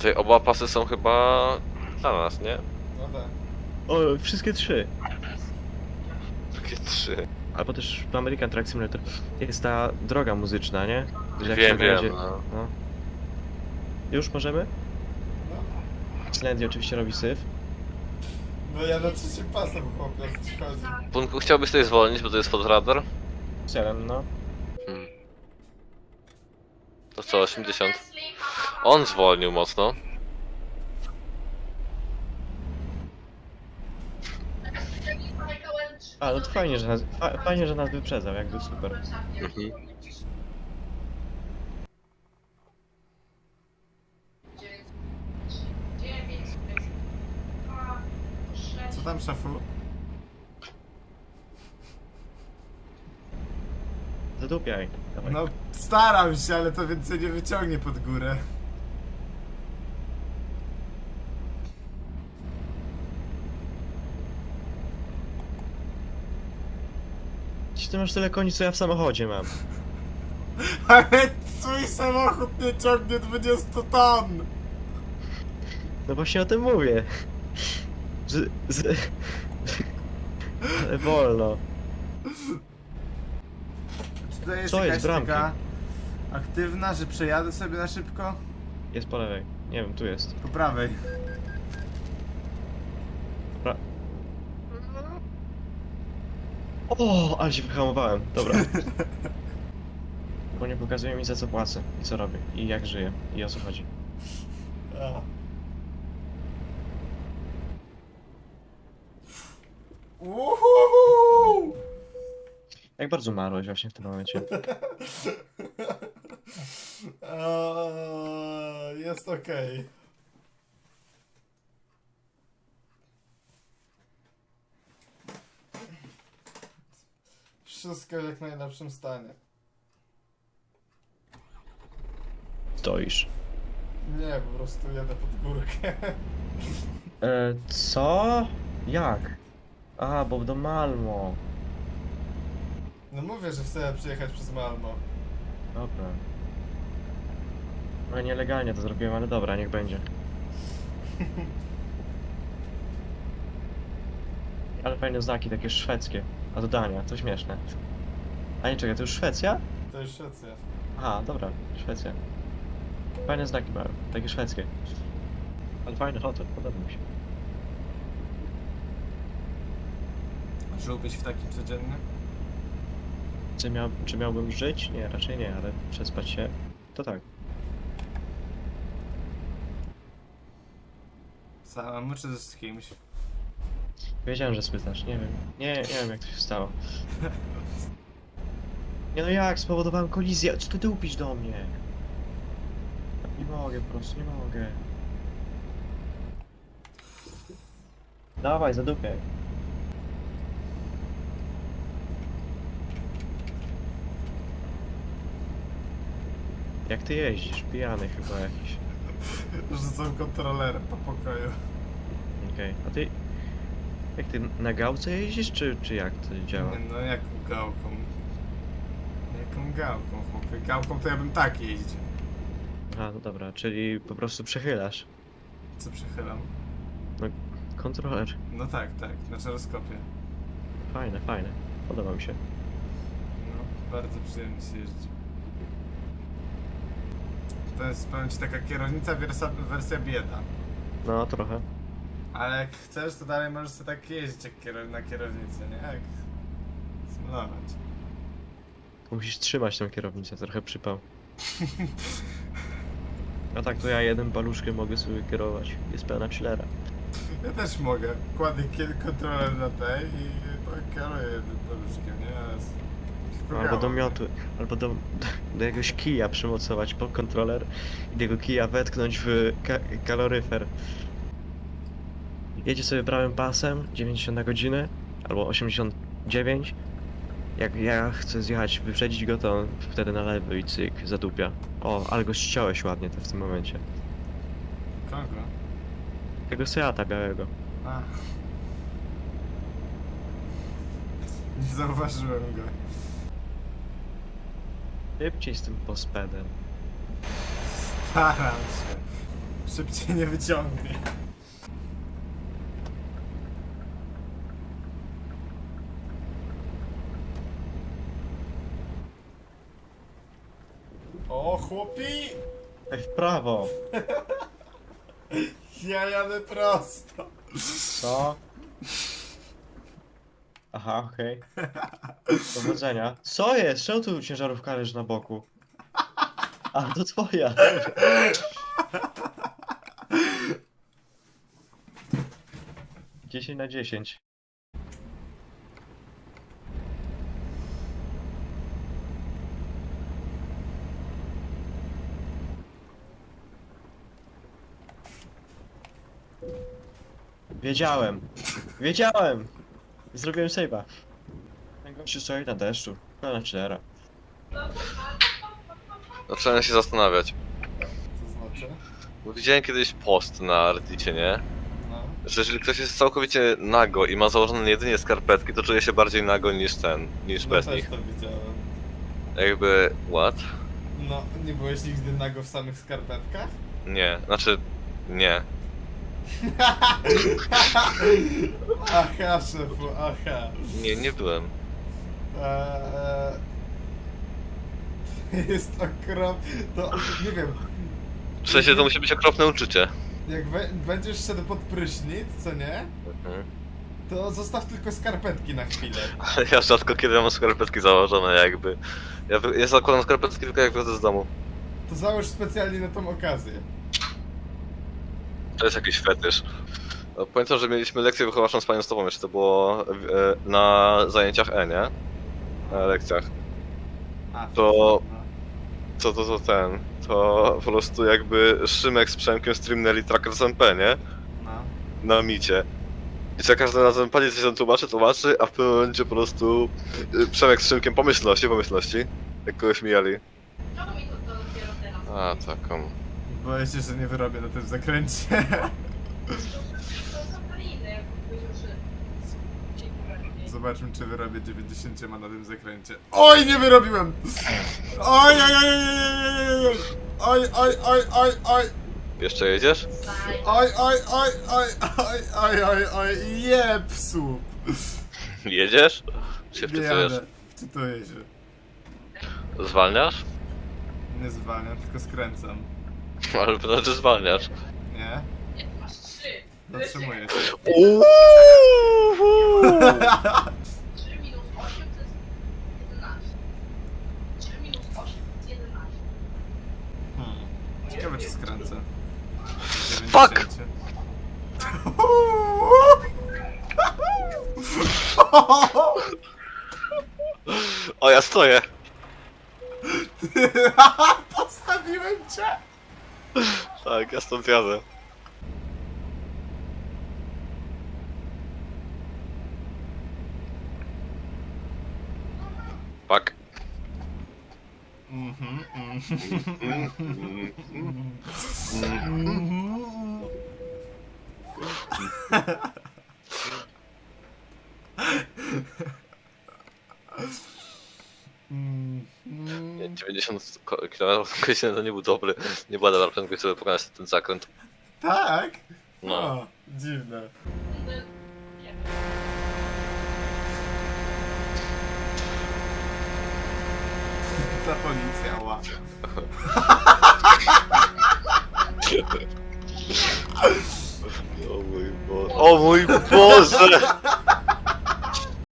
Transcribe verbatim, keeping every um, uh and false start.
Tutaj oba pasy są chyba dla nas, nie? No tak. O, wszystkie trzy. Takie trzy. Albo też w American Truck Simulator jest ta droga muzyczna, nie? Że jak Wiem, się wiem, będzie- no. no. Już możemy? No. Slendy oczywiście robi syf. No ja na trzecim pasem chłopie, o co ci chodzi? Punku, chciałbyś tutaj zwolnić, bo to jest pod radar? Celem, no. Hmm. To co, osiemdziesiąt? On zwolnił mocno. A, no to fajnie, że nas, fa fajnie, że nas wyprzedzał, jakby super. Mhm. Co tam, szefu? Zadupiaj. Dawaj. No staram się, ale to więcej nie wyciągnie pod górę. Ci ty masz tyle koni, co ja w samochodzie mam. Ale twój samochód nie ciągnie dwudziestu ton! No właśnie o tym mówię. Z... z... Ale wolno. Czy to jest Co jakaś jest, bramki? taka aktywna, że przejadę sobie na szybko? Jest po lewej. Nie wiem, tu jest. Po prawej. Pra... O, ale się wyhamowałem. Dobra. Bo nie pokazuje mi, za co płacę i co robię i jak żyję i o co chodzi. A. Uhuhu! Jak bardzo marłeś właśnie w tym momencie. Eee, Jest okej. Wszystko w jak najlepszym stanie. Stoisz. Nie, po prostu jadę pod górkę. E, co? Jak? A, bo do Malmo. No mówię, że chcę przyjechać przez Malmo. Dobra. No nielegalnie to zrobiłem, ale dobra, niech będzie. Ale fajne znaki, takie szwedzkie. A do Dania, to śmieszne. A nie, czekaj, to już Szwecja? To już Szwecja. Aha, dobra, Szwecja. Fajne znaki mają, takie szwedzkie. Ale fajny hotel, podoba mi się. Żyłbyś w takim codziennym? Czy, miał, czy miałbym żyć? Nie, raczej nie, ale przespać się, to tak. Samemu czy z kimś? Wiedziałem, że spytasz, nie wiem. Nie, nie wiem jak to się stało. Nie no jak, spowodowałem kolizję, co ty dupisz do mnie? Nie mogę po prostu, nie mogę. Dawaj, zadupiaj. Jak ty jeździsz? Pijany chyba jakiś. Rzucam kontrolerem po pokoju. Okej, a ty... Jak ty na gałce jeździsz, czy, czy jak to działa? Nie, no jaką gałką? Jaką gałką, chłopie? Gałką to ja bym tak jeździł. Aha, no dobra, czyli po prostu przechylasz. Co przechylam? Kontroler. No tak, tak, na żyroskopie. Fajne, fajne. Podoba mi się. No, bardzo przyjemnie się jeździ. To jest, powiem ci, taka kierownica wersja, wersja bieda. No, trochę. Ale jak chcesz, to dalej możesz sobie tak jeździć jak kierow na kierownicy, nie? Jak symulować. Musisz trzymać tą kierownicę, trochę przypał. A tak to ja jednym paluszkiem mogę sobie kierować. Jest pełna chillera. Ja też mogę. Kładę kiel- kontroler na tej i to kieruję jednym paluszkiem, nie? Z- tylko Albo do gałą. miotu, albo do, do jakiegoś kija przymocować pod kontroler i tego kija wetknąć w ka kaloryfer. Jedzie sobie prawym pasem dziewięćdziesiąt na godzinę albo osiemdziesiąt dziewięć. Jak ja chcę zjechać, wyprzedzić go, to on wtedy na lewy i cyk, zadupia. O, ale go ściąłeś ładnie to w tym momencie. Kogo? Tego Seata białego. A. Nie zauważyłem go. Szybciej z tym pospedem. Staram się. szybciej nie wyciągnie. O, chłopi! Ej, w prawo. Ja jadę prosto. Co? Aha, okej. Powodzenia. Co jest? Czemu tu ciężarówka leży na boku? A, to twoja. dziesięć na dziesięć. Wiedziałem. Wiedziałem! Zrobiłem save'a. Ten gościu stoi na deszczu. Pełna cztera. Zacząłem się zastanawiać. Co znaczy? Bo widziałem kiedyś post na Reddicie, nie? No. Że jeżeli ktoś jest całkowicie nago i ma założone jedynie skarpetki, to czuje się bardziej nago niż ten, niż No bez też nich. to widziałem. Jakby... what? No, nie byłeś nigdy nago w samych skarpetkach? Nie, znaczy... nie. Aha, szefu, aha. Nie, nie byłem. Eee, jest okrop... To, nie wiem, W sensie to musi być okropne uczucie. jak we, będziesz szedł pod prysznic, co nie? Mhm. To zostaw tylko skarpetki na chwilę. Ale ja rzadko kiedy mam skarpetki założone jakby. Ja, wy- ja zakładam skarpetki tylko jak wychodzę z domu. To załóż specjalnie na tą okazję. To jest jakiś fetysz. No, pamiętam, że mieliśmy lekcję wychowawczą z panią Stopą, jeszcze to było e, na zajęciach E, nie? Na lekcjach. A, To- Co to, to ten? To po prostu jakby Szymek z Przemkiem streamnęli Trackers M P, nie? no. Na micie. I za każdym razem pani coś tam tłumaczy, tłumaczy, a w pewnym momencie po prostu y, Przemek z Szymkiem pomyślności, pomyślności. Jak kogoś mijali. Czemu mi to, to dopiero teraz? A, taką. Boję się, że nie wyrobię na tym zakręcie. To są kaliny, jak powiedział, że... Zobaczmy, czy wyrobię dziewięćdziesiąt na tym zakręcie. Oj, nie wyrobiłem! Oj, oj, oj, oj, oj, oj, oj, oj, oj, Jeszcze jedziesz? oj, oj, oj, oj, oj, oj, oj, oj, jeb, słup. Jedziesz? Czy się Nie wczytujesz? jadę, czytuję się. Zwalniasz? Nie zwalniam, tylko skręcam. Ale to znaczy zwalniasz. Nie? Masz trzy. Zatrzymuję się. Uuuu! trzy minus osiem to jest jedenaście. trzy minus osiem to jest jedenaście. Hmm. Ciekawe, czy skręcę. Fuck! dziewięćdziesiąt. O, ja stoję! Postawiłem cię! Tak, ja stąd jadę. Fuck. Mhm, mhm. Mm, mm, mm. Mhm. Nie, dziewięćdziesiąt ko- kilometrów na godzinę to nie był dobry. Nie była dobra prędkość, żeby pokonać ten zakręt. Tak? No. O, dziwne. Nie. Ta policja, ła. O mój Boże. O mój Boże!